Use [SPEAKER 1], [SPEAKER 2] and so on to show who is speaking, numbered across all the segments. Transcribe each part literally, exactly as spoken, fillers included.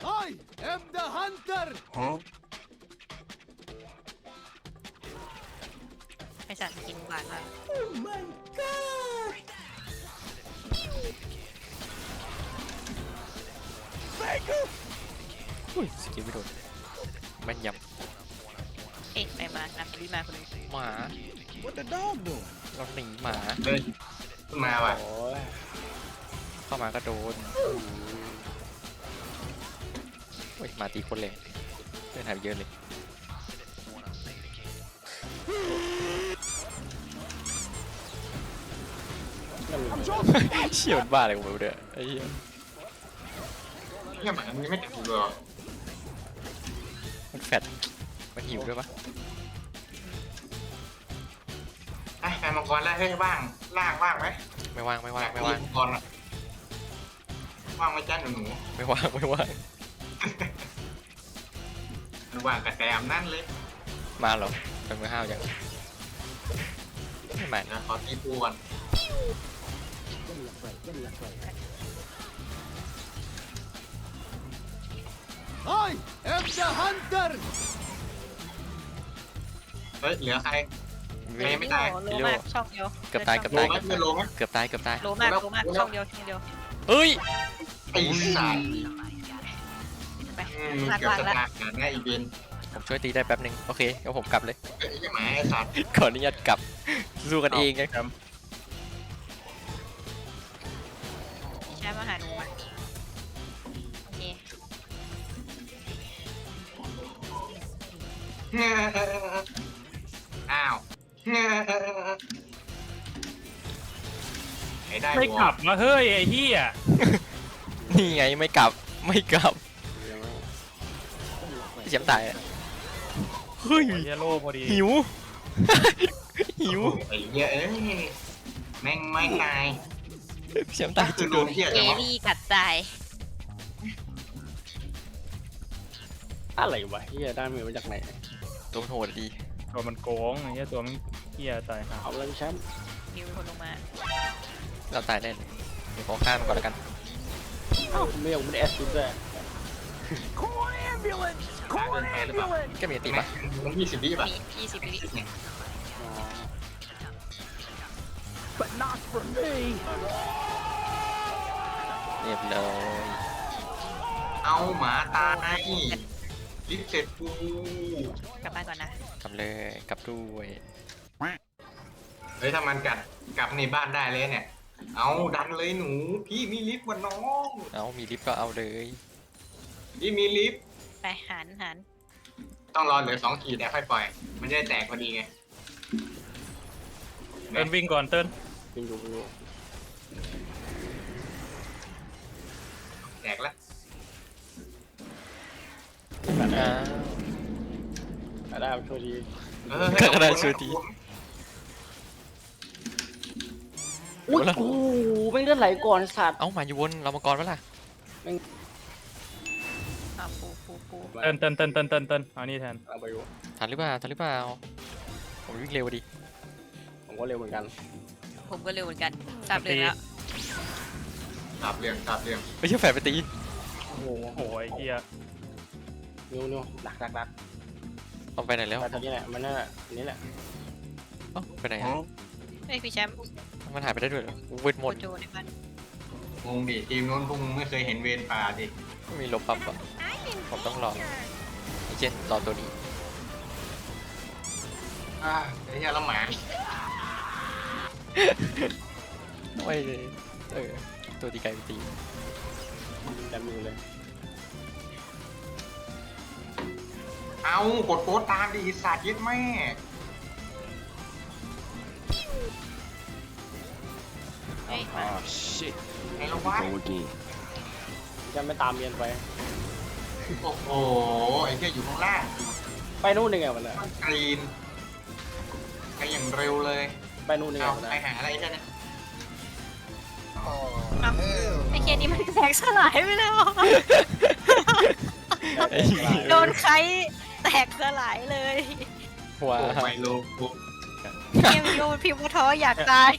[SPEAKER 1] I am the hunter. Huh?
[SPEAKER 2] ไอสัตว์กินหวานมาก
[SPEAKER 1] Oh my god! Baker!
[SPEAKER 3] อุ้ยสกิลไม่โดนแม่นย
[SPEAKER 2] เอ๊ะไปมานับวิมาคนนึง
[SPEAKER 3] ำหมา
[SPEAKER 1] What the dog doing?
[SPEAKER 3] เราหนีหมา
[SPEAKER 4] เฮ้ยขึ้นมาว่ะ
[SPEAKER 3] โอ้ยเข้ามาก็โดนโอ้ยหมาตีคนเลยเล่นหายไปเยอะเลยเชี่ยวบ้าอะไรกูไม่รู้เด้อไอ้เหี้ย
[SPEAKER 4] เนี่ยหมามันยังไม่ติดอยู่เลย
[SPEAKER 3] มันแฟดมันหิวด้วยปะ
[SPEAKER 4] ไอ้แฟนมังกรแล้วเฮ้ยว่างล่างว่างไหม
[SPEAKER 3] ไม่ว่างไม่ว่าง
[SPEAKER 4] อยก
[SPEAKER 3] ไม่ว่าง
[SPEAKER 4] มังกรอะว่างไหมจ้าหนูหนู
[SPEAKER 3] ไม่ว่างไม่ว่าง
[SPEAKER 4] มันว่างกับแซมนั่นเลย
[SPEAKER 3] มาเหรอเป็นมือห้าวยังไม่มา
[SPEAKER 4] เดี๋ยวขอตีปูก่อน
[SPEAKER 1] I am the hunter.
[SPEAKER 4] เฮ้ยเหลือใคร
[SPEAKER 3] เว
[SPEAKER 4] ไม่
[SPEAKER 3] ท
[SPEAKER 4] ไม่ตาย
[SPEAKER 2] โลมากช่องเดียว
[SPEAKER 3] เกือบตายเกือบ
[SPEAKER 4] โล
[SPEAKER 3] ตาย
[SPEAKER 4] ไหมไม่โลไหม
[SPEAKER 3] เกือบตายเกือบตาย
[SPEAKER 2] โลมากโลมากช่องเดียวช่องเดียว
[SPEAKER 3] เฮ้ย
[SPEAKER 4] ไอ้สัตว์
[SPEAKER 2] ไป
[SPEAKER 4] อืม
[SPEAKER 2] ลาก
[SPEAKER 4] เกือบ
[SPEAKER 2] ลาก
[SPEAKER 4] จะ
[SPEAKER 2] แล้ว
[SPEAKER 4] ตายกันง่ายอีเวน
[SPEAKER 3] ผมช่วยตีได้แป๊บหนึ่งโอเคเดี๋ยวผมกลับเลย
[SPEAKER 4] ไอ้เหี้ยหมาไอ้สัตว์
[SPEAKER 3] ขออนุญาตกลับสู้กันเองไง
[SPEAKER 2] ใช้มาหาหนูอ่ะโอเค
[SPEAKER 4] อ้าวไอ้ได้
[SPEAKER 5] ไม่
[SPEAKER 4] ว
[SPEAKER 5] กลับมาเฮ้ยไอ้เหี้ย
[SPEAKER 3] นี่ไงไม่กลับไม่กลับเสียมตายอะเฮ้ย
[SPEAKER 5] เยโลพอดี
[SPEAKER 3] หิว หิว
[SPEAKER 4] ไอ้เหี้ยเอ้ยแม่งไม่ตาย
[SPEAKER 3] เสียมตาย
[SPEAKER 4] คื
[SPEAKER 3] จุ
[SPEAKER 4] อ
[SPEAKER 3] ด
[SPEAKER 4] โด
[SPEAKER 3] โด
[SPEAKER 4] น
[SPEAKER 3] น
[SPEAKER 4] เหี้ย
[SPEAKER 2] เอ
[SPEAKER 4] จังวะ
[SPEAKER 2] รี่กัดตาย
[SPEAKER 6] อะไรวะเฮียได้มือมาจากไหน
[SPEAKER 3] ตัวมันโหดดี
[SPEAKER 5] ตัวมันโกงไอ้เหี้ยตัวมันเหี้ยตายหา
[SPEAKER 6] เอาเลยพี่แชมป์
[SPEAKER 2] นิวเป็นคนลงมา
[SPEAKER 3] เราตายแน่เลยเดี๋ยวขอข้ามมันก่อนแล้วกัน
[SPEAKER 6] เอ้าไม่ยอมเป็นแอสซิดด้วย
[SPEAKER 1] Call an ambulance. Call an ambulance.
[SPEAKER 3] แกมีตีปะ
[SPEAKER 4] มันยี่สิบวิป่ะ
[SPEAKER 2] มียี่สิบวิ
[SPEAKER 6] อ๋อ
[SPEAKER 1] But not for me.
[SPEAKER 3] เรียบร้อย
[SPEAKER 4] เอาหมาตายลิฟต์เสร็จกู
[SPEAKER 2] กลับบ้านก่อนนะ
[SPEAKER 3] กลับเลยกลับด้วย
[SPEAKER 4] เฮ้ยถ้ามันกัดกลับในบ้านได้เลยเนี่ย เอาดันเลยหนู พี่มีลิฟต์วันน้อง
[SPEAKER 3] เอามีลิฟต์ก็เอาเลย
[SPEAKER 4] พี่มีลิฟต์
[SPEAKER 2] ไปหันหัน
[SPEAKER 4] ต้องรอเหลือสองขีดแต่ค่อยปล่อย มันจะได้แตกพอดีไง
[SPEAKER 5] เติ้ลวิ่งก่อนเติ้ล
[SPEAKER 6] เป็นอยู่อยู่
[SPEAKER 4] แตกแล้ว
[SPEAKER 6] แบบ
[SPEAKER 3] อ้าว
[SPEAKER 6] ได้ช่วยที
[SPEAKER 4] เออ
[SPEAKER 3] ก็ได้ช่วยที
[SPEAKER 6] อุ้ยโอ้โหไม่งเลือดไหลก่อนสัตว์
[SPEAKER 3] เอ้ามาอยู่วนเรามังกรวะล่ะ
[SPEAKER 2] อ่าปูปูปู
[SPEAKER 5] เติ้ลเติ้ลเติ้ลเติ้ลเติ้ลเติ้ลเอานี่แทน
[SPEAKER 6] เอาไปอยู่
[SPEAKER 3] ทันหรือเปล่าทันหรือเปล่าผมวิ่งเร็วดิ
[SPEAKER 6] ผมก็เร็วเหมือนกัน
[SPEAKER 2] ผมก็เร็วเหมือนกันทราบเลยแล้ว
[SPEAKER 4] ตับเรื่องตับเรื่อง
[SPEAKER 3] ไม่ใช่แฝดไปตี
[SPEAKER 6] โอ้โห
[SPEAKER 5] โอ้โหไอ้เหี้ย
[SPEAKER 6] นิ้วนิ้วดักดักดัก
[SPEAKER 3] เอาไปไหนแล้ว
[SPEAKER 6] แต่ตอนนี้แหละมันนั่นแหละนี่แหละ
[SPEAKER 3] เอ้าไปไหนอะ
[SPEAKER 2] เฮ้ยพี่แชมป์
[SPEAKER 3] มันหายไปได้ด้วยเหรอเวทหม
[SPEAKER 2] โค
[SPEAKER 3] ด
[SPEAKER 2] โจในบ้าน
[SPEAKER 4] งงดิทีมนู้นพวกมึงไม่เคยเห็นเวรป่าดิ
[SPEAKER 3] ไม่มีลบปั๊บอ่ะผมต้องรอไอ้เช่นรอตัวนี้
[SPEAKER 4] อ่าไอ้เหี้ยแล้วหมา
[SPEAKER 3] โอ้ยเออตัวตีไก่ไปตี
[SPEAKER 6] แต่มือเลย
[SPEAKER 4] เอากดโค้ดตามดิไอ้สัตว์ยึดแม่
[SPEAKER 2] เฮ้ยมา
[SPEAKER 1] Oh shit.
[SPEAKER 4] ไอ้ละวะ
[SPEAKER 1] Go again.
[SPEAKER 6] จะไม่ตามเรียนไป
[SPEAKER 4] โอ้โหไอ้เหี้ยอยู่ข้างล่าง
[SPEAKER 6] ไปนู่นยังไงวะเนี่ย
[SPEAKER 4] กรีนไปอย่างเร็วเลย
[SPEAKER 6] ไปนู่นยังไง
[SPEAKER 4] เอา
[SPEAKER 6] วะ
[SPEAKER 4] ไป
[SPEAKER 6] เนี่ย
[SPEAKER 4] หาอะไรใช่ไหม
[SPEAKER 2] ไอ้เคนี่มันแตกสลายไปแล้ว
[SPEAKER 3] ไอ้เหี้ย
[SPEAKER 2] โดนใครแตกสลายเลย
[SPEAKER 3] ว้า
[SPEAKER 4] โอ้
[SPEAKER 3] ว
[SPEAKER 4] ไมโลกู
[SPEAKER 2] เนี่ยมีโลพิมพ์ว่าท้ออยากตาย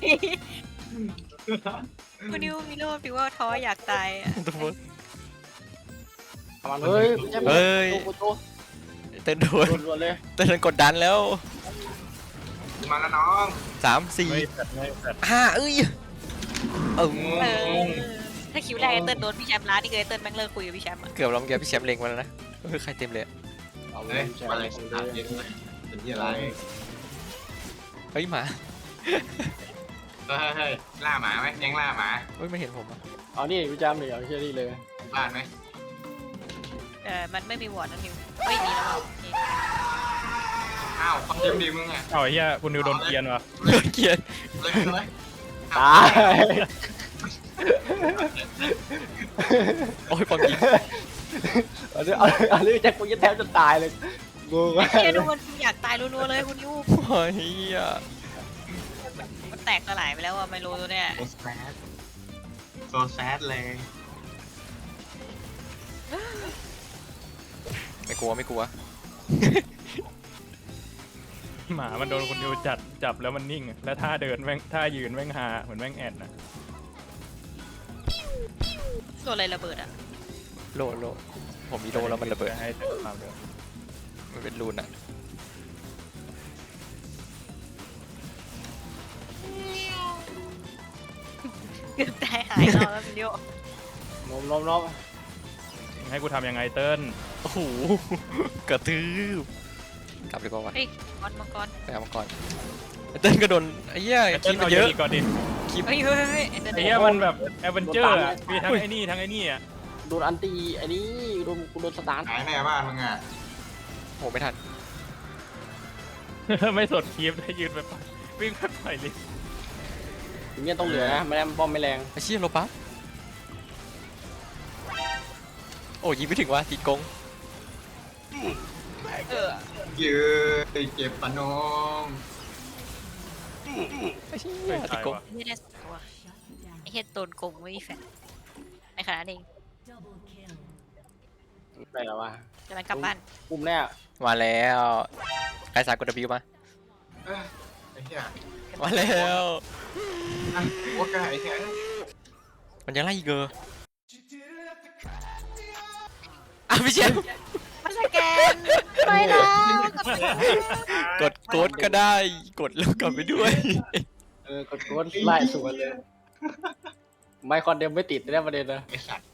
[SPEAKER 2] คุณนิวมีโลพิมพ์ว่าท้ออยากตายอะ
[SPEAKER 3] ทุกคน
[SPEAKER 6] มันเฮ้ยไม่ใช่
[SPEAKER 3] เฮ้ย
[SPEAKER 6] โกโจ
[SPEAKER 3] เต้นโดน
[SPEAKER 6] โดนๆเลย
[SPEAKER 3] เต้นกดดันแล้ว
[SPEAKER 4] มาแล้วน้อง
[SPEAKER 3] สามสี่
[SPEAKER 5] ไม่แฟดไม่แฟด
[SPEAKER 3] ห้าเอ้ยเออ
[SPEAKER 2] เออถ้าคิวแรกไอ้เติ้ลโดนพี่แชมป์ล้านี่คือไอ้เติ้ลแม่งเลิกคุยกับพี่แชมป์อะ
[SPEAKER 3] เกือบเราเมื่อกี้พี่แชมป์เล็งมาแล้วนะเออใครเต็มเลย
[SPEAKER 6] เอาเล
[SPEAKER 4] เฮ้
[SPEAKER 6] ย
[SPEAKER 4] ย
[SPEAKER 6] ใช่
[SPEAKER 4] มาเลย
[SPEAKER 6] เล
[SPEAKER 4] ถามเย็
[SPEAKER 6] ย
[SPEAKER 4] นเลยเป็นที่อะไร
[SPEAKER 3] เฮ้ยหมา
[SPEAKER 4] เฮ้ยเฮ้ยล่าหมาไหมยังล่าหมา
[SPEAKER 3] เฮ้ยไม่เห็นผมอ่ะ
[SPEAKER 6] เอานี่พี่จำเลยเอาเชื่อนี่เลย
[SPEAKER 4] บ้านไหม
[SPEAKER 2] เออมันไม่มีวอร์ดนะนิวไม่มีแล้วโอเค
[SPEAKER 4] อ้าวความเต็มดีมึงอ่ะ
[SPEAKER 5] เอาไอ้เหี้ยคุณนิวโดนเกรียนว่ะ
[SPEAKER 3] โดนเกลียด
[SPEAKER 4] เลยเลย
[SPEAKER 6] ตาย
[SPEAKER 3] โอ้ยความจริง
[SPEAKER 6] เอาเรื่องเอาเอาเรื่องแจ็คกูจะแทบจะตายเลยงง
[SPEAKER 2] เชื่อดูมันอยากตายรัวๆเลยคุณนิว
[SPEAKER 3] โอ้ยเฮีย
[SPEAKER 2] มันแตกสลายไปแล้วอะไมโลตัวเนี้ย
[SPEAKER 4] โซแซดโซแซดเลย
[SPEAKER 3] ไม่กลัวไม่กลัว
[SPEAKER 5] หมามันโดนคุณนิวจัดจับแล้วมันนิ่งอะแล้วท่าเดินแม่งท่ายืนแม่งฮาเหมือนแม่งแอดนะ
[SPEAKER 2] โดนอะไรระเบิดอะ
[SPEAKER 3] โลโลผมมีโลแล้วมันระเบิด
[SPEAKER 5] ให้เต็มความเลย
[SPEAKER 3] มันเป็นรูนอ่ะ
[SPEAKER 2] เกือบตายหายรอบแล้วคุณนิวน
[SPEAKER 6] มนมนม
[SPEAKER 5] ให้กูทำยังไงเติ้ล
[SPEAKER 3] โอ้โหกระทืบกลับดีกว่าวะ
[SPEAKER 2] เฮ้ยมังกรมังกร
[SPEAKER 3] ไปเอามาก่อนไอ้เต้นก็โดนไอ้เหี้ย
[SPEAKER 5] ไอ้
[SPEAKER 3] คลิ
[SPEAKER 5] เติ้
[SPEAKER 3] ป
[SPEAKER 5] ล
[SPEAKER 3] มันเยอะ
[SPEAKER 5] เอาเยอะก่อนดิ
[SPEAKER 3] คลิป
[SPEAKER 2] เฮ้ยเฮ้ยเฮ้ยไอ้เติ้ล
[SPEAKER 5] ไอ้เหี้ยมันแบบแอดเวนเจอร์อะมีทั้งไอ้นี่ทั้งไอ้นี่อะ
[SPEAKER 6] โดนอันตีไอ้นี่โดนกูโดนสตาร์ท
[SPEAKER 4] หายแน่บ้านมึงอ่ะ
[SPEAKER 3] โหไม่ทัน
[SPEAKER 5] ไม่สดคลิปได้ยืนไปปล่อยวิ่งไปปล่อยลิฟต์
[SPEAKER 6] อย่างเงี้ยต้องเหลือนะไม่ได้ป้อมไม่แรง
[SPEAKER 3] ไอ้เชี่ยโลปั๊บโอ้ยิงไม่ถึงว่ะติดกง
[SPEAKER 2] เออ
[SPEAKER 4] เยอะเจ็บปะน้อง
[SPEAKER 3] ไอ้เชี่ย
[SPEAKER 5] ไม่
[SPEAKER 3] ติด
[SPEAKER 5] ตาย
[SPEAKER 3] กง
[SPEAKER 5] ว่ะ
[SPEAKER 2] ไม่ได้สองตัวไอ้เฮ็ดโดนโกงไม่มีแฟนไอ้ขนาดเอง
[SPEAKER 6] ไปแล้ววะ
[SPEAKER 2] กำลังกลับบ้าน
[SPEAKER 6] ปุ่มแน่
[SPEAKER 3] มาแล้วไอ้สายกด W มา
[SPEAKER 4] เอ้ยไอ้เหี้ย
[SPEAKER 3] มาแล้ว
[SPEAKER 4] อ่ะโอ้กไอ้เหี้ย
[SPEAKER 3] มันยังไล่อีกเกอร์อ่ะพี่เชน
[SPEAKER 2] มาสแกนไม่นะ
[SPEAKER 3] กดโกดก็ได้กดแล้วกลับไปด้วย
[SPEAKER 6] เออกดกดไล่สวนเลยไมค์คอนเดมไม่ติดได้ประเด็นนะ
[SPEAKER 4] ไอ้สัตว์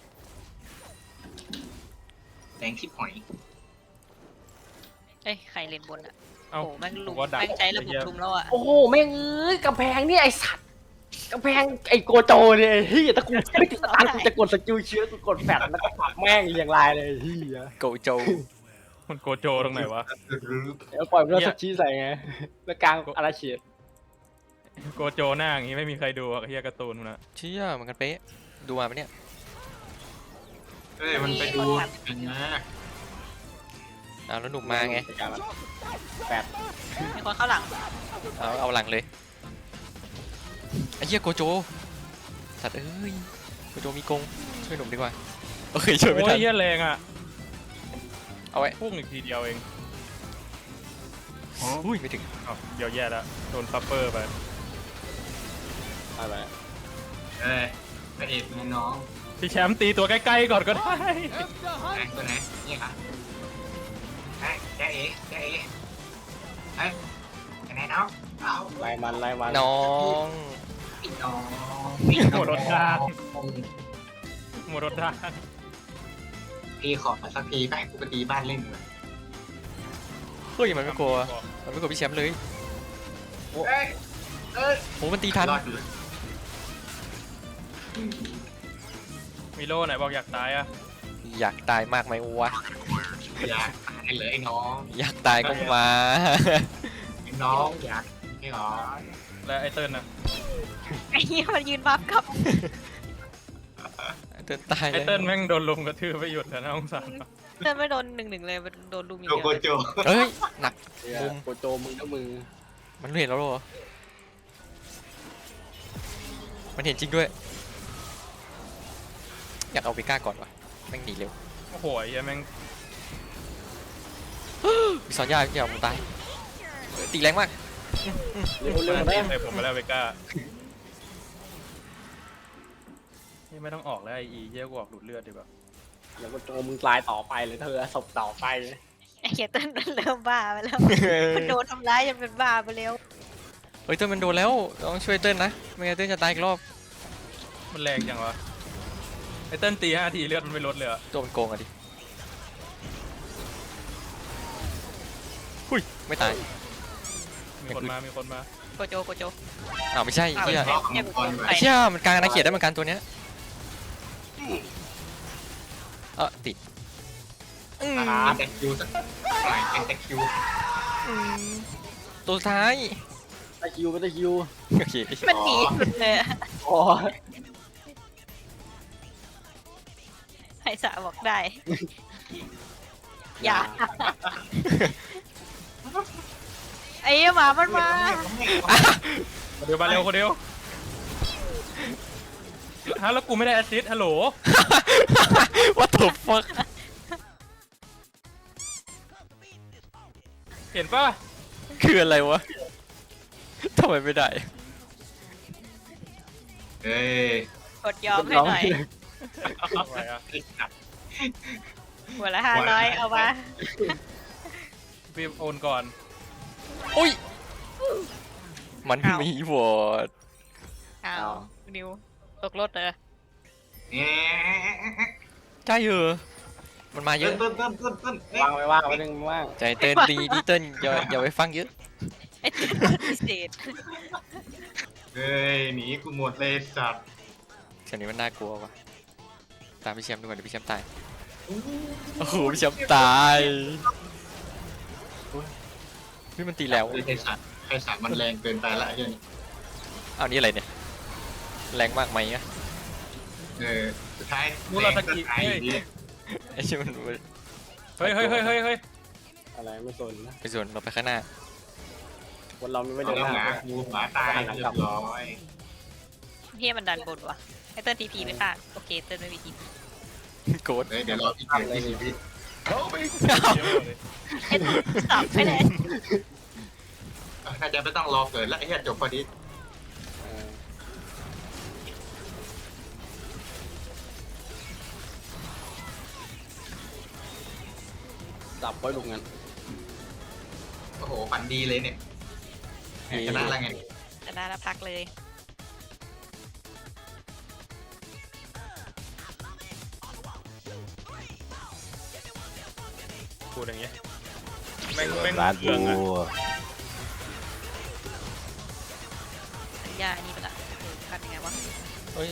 [SPEAKER 4] แดงชิบหอย
[SPEAKER 2] เอ้ยใครเล่นบนอะ
[SPEAKER 5] เอ้า
[SPEAKER 2] โอ้แม่งลุม
[SPEAKER 5] ว่าดัก
[SPEAKER 2] แม่งใช้ระบบลุมแล้วอะ
[SPEAKER 6] โอ้โหแม่งเอ้ยกำแพงเนี่ยไอสัตว์กำแพงไอโกโจเนี่ยไอ้เฮียถ้ากูไม่ติดสตาร์ทกูจะกดสกิลเชื้อกูกดแฟลชแล้วก็ปักแม่งเรียงรายเลยไอ้เฮีย
[SPEAKER 3] โกโจ
[SPEAKER 5] มันโกโจตรงไหนวะ
[SPEAKER 6] เดี๋ยวปล่อยมันแล้วสักชี้ใส่ไงแล้วกลางอาราเชีย
[SPEAKER 5] โกโจหน้าอย่างงี้ไม่มีใครดูอะเฮียการ์ตูนมันอะ
[SPEAKER 3] เชี่ยเหมือนกันเป๊ะดูมาปะเนี่ย
[SPEAKER 4] เฮ้ยมันไปดูกันนะ
[SPEAKER 3] เอาแล้วหนุ่มมาไง
[SPEAKER 6] แปด
[SPEAKER 2] มีคนเข้าหลัง
[SPEAKER 3] เอาเอาหลังเลยไอ้เหี้ยโกโจสัตว์เอ้ยโกโจมีกงช่วยหนุ่มดีกว่าโอเคช่วยไม่
[SPEAKER 5] โอ้
[SPEAKER 3] ทั
[SPEAKER 5] ย
[SPEAKER 3] น
[SPEAKER 5] เฮียแรงอะ
[SPEAKER 3] เอาไว้
[SPEAKER 5] พุ่งอีกทีเดียวเอง
[SPEAKER 3] อุ้ยไม่ถึง
[SPEAKER 5] อ้าวเดี๋ยวแย่แล้วโดนซัปเปอร์ไป
[SPEAKER 6] ไปไป
[SPEAKER 4] เอ้ยพระเอกมึงน้อง
[SPEAKER 5] พี่แชมป์ตีตัวใกล้ๆก่อนก็ได้
[SPEAKER 4] ไหนตัวไหนนี่ครับไอ้แกเอ๋แกเอ๋ไอ้ไปไหนน้องเอา
[SPEAKER 6] ไล่มันไล่มัน
[SPEAKER 3] น้อง
[SPEAKER 4] พี่น้อง
[SPEAKER 5] หมดรถทางหมดรถทาง
[SPEAKER 4] พี่ขอสักทีไปกูไปตีบ้านเล่นเลย
[SPEAKER 3] เฮ้ยมันไม่กลัวมันไม่กลัวพี่แชมป์เลย
[SPEAKER 4] เอ้ยเอ้ย
[SPEAKER 3] โหมันตีทัน
[SPEAKER 4] รอดอยู่
[SPEAKER 5] มีโล่ไหนบอกอยากตายอะ
[SPEAKER 3] อยากตายมากไหมวะ
[SPEAKER 4] อยากตายเลยไอ้น้อง
[SPEAKER 3] อยากตายก็มา
[SPEAKER 4] ไอ้น้องอยากไม่หรอ
[SPEAKER 5] และไอเติ้ลนะ
[SPEAKER 2] ไอ้เหี้ยมันยืนบัฟกับ
[SPEAKER 3] เดินตาย
[SPEAKER 5] ไอ
[SPEAKER 3] เลย
[SPEAKER 5] เติ้ลแม่งโดนลุมกระทืบไปหยุดแล้วนะองศาร
[SPEAKER 2] เดินไม่โดนหนึ่งหนึ่งเลยมันโดนลุมอย่าง
[SPEAKER 4] โจ
[SPEAKER 2] เดียว
[SPEAKER 4] โก
[SPEAKER 2] เลย
[SPEAKER 4] โจ
[SPEAKER 3] เอ้ยหนัก
[SPEAKER 6] เนี่ยโกโจมึงก็มือ
[SPEAKER 3] มันเห็นแล้วเหรอมันเห็นจริงด้วยอยากเอาไปก้าก่อนวะแม่งหนีเร็ว
[SPEAKER 5] โอ้โหไอ้เหี้ยแม่ง
[SPEAKER 3] มีซอนยาอย่าผมตายเออตีแรงมาก
[SPEAKER 6] เร็วเร็ว
[SPEAKER 5] มา
[SPEAKER 6] ได้
[SPEAKER 5] ใส่ผมไปแล้วเวก้านี่ไม่ต้องออกแล้วไออีเยี่ยกูออกดูดเลือดดีกว่า
[SPEAKER 6] เดี๋ยวโกโจมึงตายต่อไปเลยเธอศพต่อไป
[SPEAKER 2] ไอ้เหี้ยเต้นมันเริ่มบ้าไปแล้วมันโดนทำร้ายจนเป็นบ้าไปแล้ว
[SPEAKER 3] เฮ้ยเติ้ลมันโดนแล้วต้องช่วยเติ้ลนะไม่งั้นเติ้ลจะตายอีกรอบ
[SPEAKER 5] มันแรงจังวะไอ้เต้นตีห้าทีเลือดมันไม่ลดเลยอะ
[SPEAKER 3] ตัวมันโกงอะดิหุยไม่ตาย
[SPEAKER 5] มีคนมามีคนมา
[SPEAKER 2] โกโจโกโจ
[SPEAKER 3] อ้าวไม่ใช่
[SPEAKER 2] อ้าว
[SPEAKER 3] เชี่ย
[SPEAKER 2] ไอ้เหี้ยกูโกงไป
[SPEAKER 3] ไอ้เชี่ยมันกลางอาณาเขตได้เหมือนกันตัวเนี้ยเออติดอืม
[SPEAKER 4] อ่าแต่คิวสักหน่อยแต่คิว
[SPEAKER 3] ตัวสุดท้าย
[SPEAKER 6] ตะคิวไม่ตะคิว
[SPEAKER 3] โอเค
[SPEAKER 2] มันหนีสุดเลยอะ
[SPEAKER 6] อ๋อ
[SPEAKER 2] ไอ้สาบอกได้ อย่า ไอ้หมามันมา
[SPEAKER 5] คนเดียวมาเร็วคนเดียวฮะแล้วกูไม่ได้แอสซิสต์ฮัลโหล
[SPEAKER 3] ว่าถูกฟัก
[SPEAKER 5] เห็นป่ะ
[SPEAKER 3] คืออะไรวะทำไมไม่ได้
[SPEAKER 4] เอ้ย
[SPEAKER 2] กดยอมให้หน่อย
[SPEAKER 5] ไหวอะ
[SPEAKER 4] ไอ้สัตว์
[SPEAKER 2] หัวละห้าร้อยเอามา
[SPEAKER 5] พี่โอนก่อน
[SPEAKER 3] อุ้ยมันมีวอร์ด
[SPEAKER 2] อ้าวนิวตกรถเหรอ
[SPEAKER 4] เอ๊ะ
[SPEAKER 3] ใช่เหรอมันมาเย
[SPEAKER 4] เติ้
[SPEAKER 3] อะ
[SPEAKER 4] ลเติ้ลเติ้ลเติ้ลเติ้ล
[SPEAKER 6] ว่างไว้ว่างไว้นึงว่าง
[SPEAKER 3] ใจเต้นดีดีเต้นอย่าอย่าไปฟังเยอะ
[SPEAKER 2] ไอ้ตัวพิเศษ
[SPEAKER 4] เฮ้ยหนีกูหมดเลยสัตว์
[SPEAKER 3] เสียงนี้มันน่ากลัวว่ะตามพี่แชมป์ดูก่อนเดี๋ยวพี่แชมป์ตายโอ้โหพี่แชมป์ตายพี่มันตีแล้ว
[SPEAKER 4] ไอ้สัตว์ไอ้สัตว์มันแรงเกินไปละไอ้เหี้ยนี่
[SPEAKER 3] เอานี่อะไรเนี่ยแรงมากไหมอะ
[SPEAKER 4] เออสุดท้าย
[SPEAKER 5] มูราสกิ
[SPEAKER 4] แรงก็ตายอยู่ดี
[SPEAKER 3] ไอ้ชิมัน
[SPEAKER 5] เฮ้ยเฮ้ยเฮ้ยเฮ้ยเฮ้ย
[SPEAKER 6] อะไรไม่สนนะ
[SPEAKER 3] ไปส่วนเราไปข้างหน้า
[SPEAKER 6] คนเราไม่
[SPEAKER 4] เอา
[SPEAKER 6] เดิน
[SPEAKER 4] แล้ว
[SPEAKER 6] หน้า
[SPEAKER 4] หมากูหมาตายเรียบร้อย
[SPEAKER 2] เฮียมันดันบนวะไอ้เติ้ลทีพีไม่ฆ่าโอเคเติ้ลไม่มีทีพี
[SPEAKER 3] โกรธ
[SPEAKER 4] เฮ้ยเดี๋ยวรอพี่เกิดที่ชีวิต
[SPEAKER 2] ไอ้ตัวสับไปเลย
[SPEAKER 4] น่าจะไม่ต้องรอเกิดแล้วไอ้เหี้ยจบพอดี
[SPEAKER 6] เออจับไว้ลูกงั้น
[SPEAKER 4] โอ้โหฝันดีเลยเนี่ยชนะแล้วไง
[SPEAKER 2] จะได้แล้วพักเลย
[SPEAKER 5] พูดอย่างเงี้ยแม่งแม่ง
[SPEAKER 7] ร้าน
[SPEAKER 5] เรื่อง
[SPEAKER 7] กู
[SPEAKER 5] อะ
[SPEAKER 2] สัญญาอันนี้ไปละเออทำยังไงวะ
[SPEAKER 3] เฮ้ย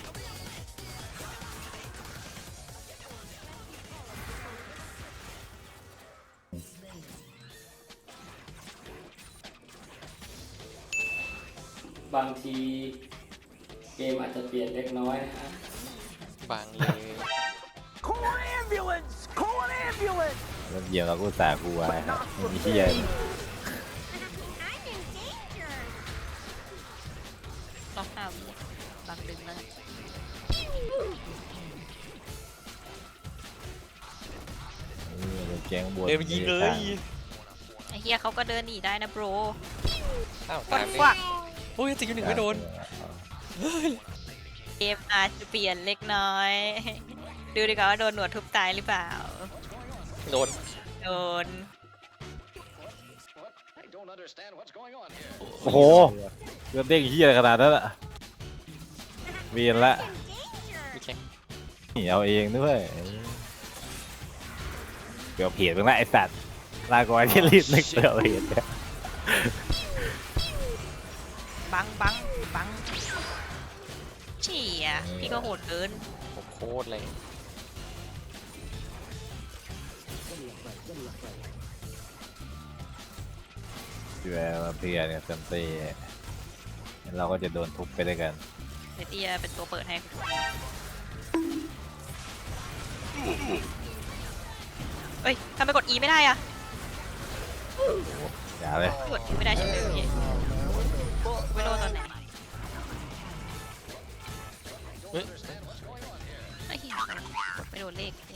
[SPEAKER 6] บางทีเกมอาจจะเปลี่ยนเล็กน้อยนะฮะ
[SPEAKER 3] บางเลย
[SPEAKER 1] Call an ambulance! Call an ambulance!
[SPEAKER 7] แล้วเหยียบเราก็สากูไว้ครับมีเฮีย
[SPEAKER 2] รอบห้าวิบางดึงแล้ว
[SPEAKER 7] เออแจ้งบวช
[SPEAKER 3] เดินไปยิงเลย
[SPEAKER 2] ไอ้เฮียเขาก็เดินหนีได้นะโบร
[SPEAKER 3] อ้าว
[SPEAKER 2] ฟั
[SPEAKER 3] ตาย
[SPEAKER 2] ก
[SPEAKER 3] ไป
[SPEAKER 2] ฟัก
[SPEAKER 3] โอ้ยติดอยู่หนึ่งไม่โดน
[SPEAKER 2] เกมอาจจะเปลี่ยนเล็กน้อย ดูดีกว่าว่าโดนหนวดทุบตายหรือเปล่า
[SPEAKER 3] โดน
[SPEAKER 2] โดน
[SPEAKER 7] โอ้โหเลือดเด้งเฮียอะไรขนาดนั้นอะเวียนละ
[SPEAKER 3] มีแข่ง
[SPEAKER 7] นี่เอาเองด้วยเกือบเพียดมึงละไอสัตว์ลาก่อนที่รีบนึกเกือบเพียดเนี่ย
[SPEAKER 2] บังบังบังเชี่ยพี่ก็โหดเกิน
[SPEAKER 3] ผมโคตรเลย
[SPEAKER 7] พี่แววมาเพลียเนี่ยเต็มตีงั้นเราก็จะโดนทุบไปด้วยกัน
[SPEAKER 2] เดี๋ยวเตียเป็นตัวเปิดให้เอ้ยทำไมกด E ไม่ได้อะ
[SPEAKER 7] อย่าเลย
[SPEAKER 2] กด E ไม่ได้ใช่ไหมพี่ไม่รู้ตอนไหน
[SPEAKER 3] เฮ้ย
[SPEAKER 2] ไอ้เหี้ยกดไม่โดนเลขเนี่ย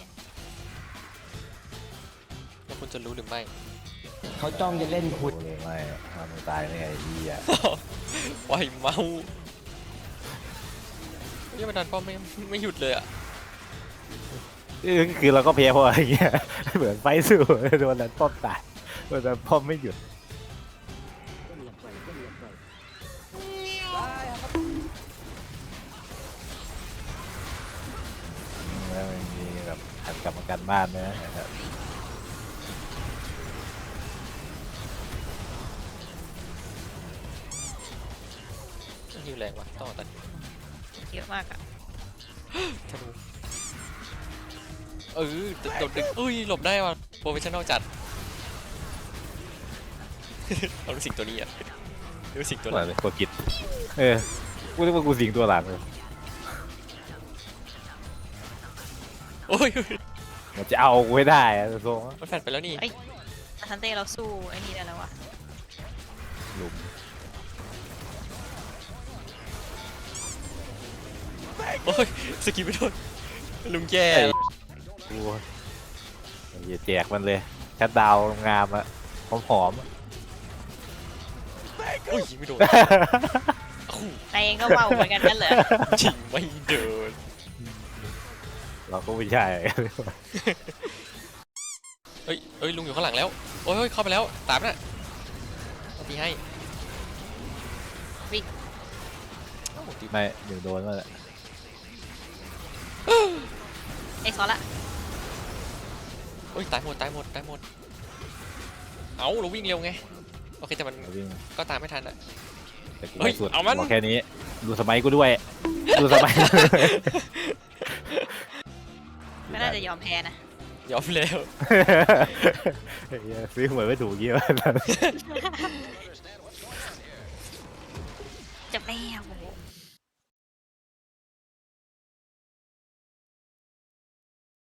[SPEAKER 3] แล้วคุณจะรู้หรือไม่
[SPEAKER 6] เขาจ้องจะเล่นคุณ
[SPEAKER 7] โอ้เลยไม่ทำมึงตายไม่ไงไอ้เฮีย
[SPEAKER 3] ปล่อยเมานี่มันดันป้อมไม่ไม่หยุดเลยอ่ะ
[SPEAKER 7] เดเออคือเราก็แพ้เพราะอะไรเงี้ย เหมือนไฟสู้โดนนั้นป้อมตายโดนนั้นป้อมไม่หยุดแล้วมันมีแบบหันกลับมากันบ้านนะครับ
[SPEAKER 3] ฮิวแรงว่ะต้องตัด
[SPEAKER 2] เยอะมากอะ
[SPEAKER 3] ธนูเออโดดดึงอุ้ยหลบได้ว่ะโปรเฟชชั่นอลจัด เอาลูกสิงตัวนี้อ่ะลูกสิงตัว
[SPEAKER 7] ตัว
[SPEAKER 3] นั้น
[SPEAKER 7] อะไรตัวกิดเออกูนึกว่ากูสิงตัวหลังเลย
[SPEAKER 3] โอ้ย
[SPEAKER 7] มันจะเอากูให้ได้อะทรง
[SPEAKER 3] มันแฟดไปแล้วนี่
[SPEAKER 2] อาทันเต้เราสู้ไอ้นี่ได้แล้ววะ
[SPEAKER 7] หลุม
[SPEAKER 3] โอ้ยสกิลไม่โดนลุงแย่
[SPEAKER 7] กูอย่าแจกมันเลยชัดดาวน์งามอะหอมๆอะ
[SPEAKER 3] อุ้ยยิงไม่โดน
[SPEAKER 2] นายเองก็เบาเหมือนกันนั่นเหรอ
[SPEAKER 3] ชิงไม่เดิน
[SPEAKER 7] เราก็ไม่ใช่
[SPEAKER 3] เฮ้ยเฮ้ยลุงอยู่ข้างหลังแล้วโอ้ยเฮ้ยเข้าไปแล้วตามน่ะเอาตีให้โอ้ตี
[SPEAKER 7] ไม่หนึ่งโดนมาแหละ
[SPEAKER 2] ไอ้ซอสละ
[SPEAKER 3] โอ้ยตายหมดตายหมดตายหมดเอ้าเราวิ่งเร็วไงโอเคแต่มัน
[SPEAKER 7] เอาวิ่ง
[SPEAKER 3] ก็ตามไม่ทันอะ
[SPEAKER 7] แต่กู
[SPEAKER 3] เฮ้ย
[SPEAKER 7] ไม่สุด
[SPEAKER 3] เอามัน
[SPEAKER 7] บอกแค่นี้ ดูสมัยกูด้วย ดูสมัย
[SPEAKER 2] ไม่น่าจะยอมแพ้นะ
[SPEAKER 3] ยอมแล้ว
[SPEAKER 7] เฮ้ยซื้อหวยไม่ถูกเยอะ
[SPEAKER 2] จบแล้ว